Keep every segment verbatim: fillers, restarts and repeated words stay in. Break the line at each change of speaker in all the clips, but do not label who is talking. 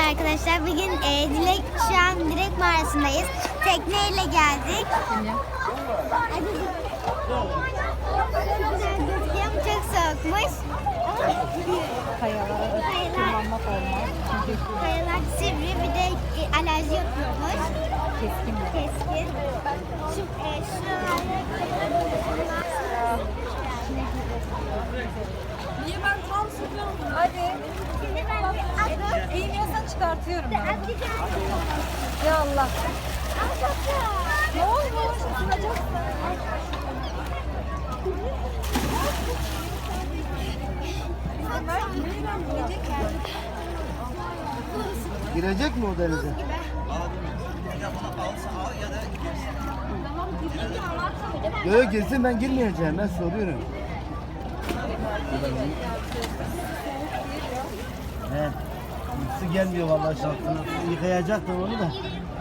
arkadaşlar. Bugün e, Dilek şu an Dilek mağarasındayız. Tekneyle geldik. Çok soğukmuş.
Kayalara tırmanmak olmaz. Çünkü
Kayalar sivri, bir de e, alerji yapıyormuş.
keskin de.
Keskin. Şu, e, şuralarda...
Niye ben tam sıkıyorum? Hadi.
Şimdi ben bir adım...
Eğmiyorsan çıkartıyorum ben.
Atacağım.
Ya Allah. Ne olmuş? Isınacaksın.
Girecek mi o denize? Yok yok girsin, ben girmeyeceğim, ben soruyorum. He. Su gelmiyor vallahi şansına. Yıkayacaktım onu da.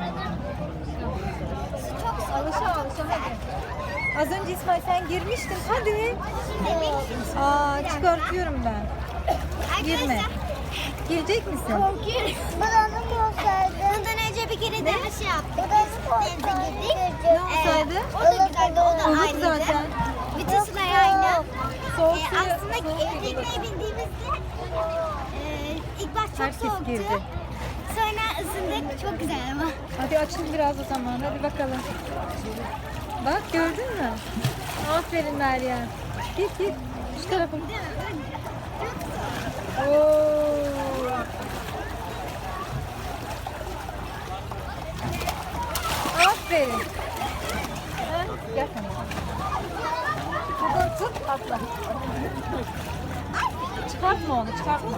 Alışa alışa hadi. Az önce İsmail sen girmiştin. Hadi. Aa çıkartıyorum ben. Girme. Girecek misin?
Korkuyorum. Buranı olsaydı. Bundan önce bir kere daha şey yaptık. Denize girdik.
Ne olsaydı?
O da güzeldi, o da
Olur
aynıydı.
zaten.
Bütün sular aynı.
Soğuk
Ee,
suyu-
aslında
soğuk
e,
suyu
tekneye bindiğimizde e, ilk baş çok
Herkes
soğuktu.
girdi.
Sonra ısındık. Çok güzel ama.
Hadi açın biraz o zaman. Hadi bakalım. Bak gördün mü? Aferin Meryem. Git git. Şu tarafa. Oo. Aferin. Ha, gel sen. Buradan tut atla. Çıkartma onu çıkartma.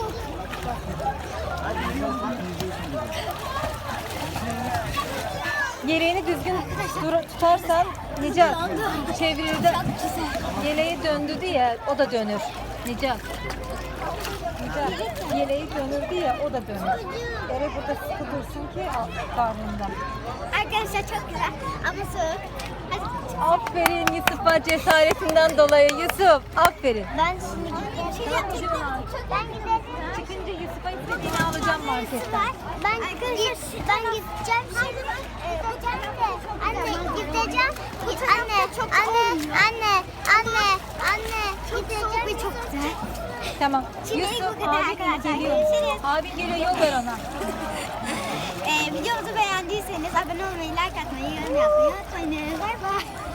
Yeleğini düzgün dur- tutarsan Necat çevirir de yeleği döndürdü ya o da dönür. Necat. Necat yeleği dönürdü ya o da dönür. Ere burada sıkı dursun ki al- karnında.
Arkadaşlar çok güzel ama soğuk. Hadi.
Aferin Yusuf'a cesaretinden dolayı Yusuf. Aferin.
Ben şimdi gideceğim. Şey yapayım. Ben giderim.
Çıkınca Yusuf'a istediğini alacağım marketten.
Ben git, ben gideceğim şimdi. Ee, anne gideceğim. Git anne, anne, anne, anne, anne. Gideceğim ve çok güzel.
Tamam.
Şimdi
Yusuf
bu kadar
abi
arkadaşlar.
geliyor.
Görüşürüz.
Abi geliyor yol ver ona.
Ee, videomuzu beğendiyseniz abone olmayı, like atmayı, yorum yapmayı unutmayın. Bay bay.